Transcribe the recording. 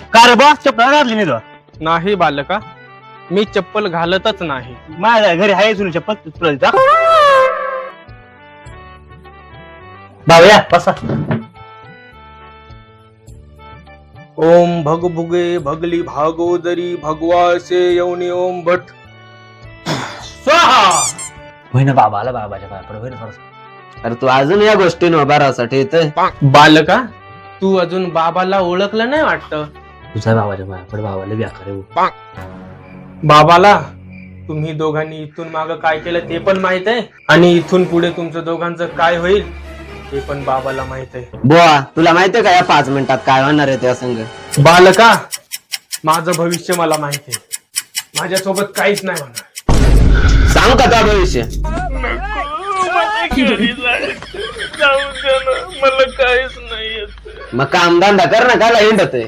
का रे बॉस चप्पल घातली नाही तो नाही बालका, मी चप्पल घालतच नाही. माझ्या घरी आहे जुनी चप्पल तुला देतो. भाऊया बसा. ओम भगभुगे भगली भागोदरी भगवासे यवनी ओम भट स्वाहा. होय ना बाबाला बाबाच्या पाया पड होय ना थोडंसं. अरे तू अजून या गोष्टी उभारासाठी येतोय. बालका, तू अजून बाबाला ओळखलं नाही वाटतं. तुझ्या बाबाच्या पाया पड बाबाला व्याकार आहे. बाबाला तुम्ही दोघांनी इथून माग काय केलं ते पण माहित आहे, आणि इथून पुढे तुमचं दोघांचं काय होईल ते पण बाबाला माहित आहे. बुवा तुला माहितीये का या 5 मिनिटात काय होणार आहे त्या संघ? बालका, माझं भविष्य मला माहित आहे. माझ्यासोबत काहीच नाही होणार. सांग का त्या भविष्य? मला काहीच नाही येत. मग काम धंदा कर ना, काय हिंडतोय?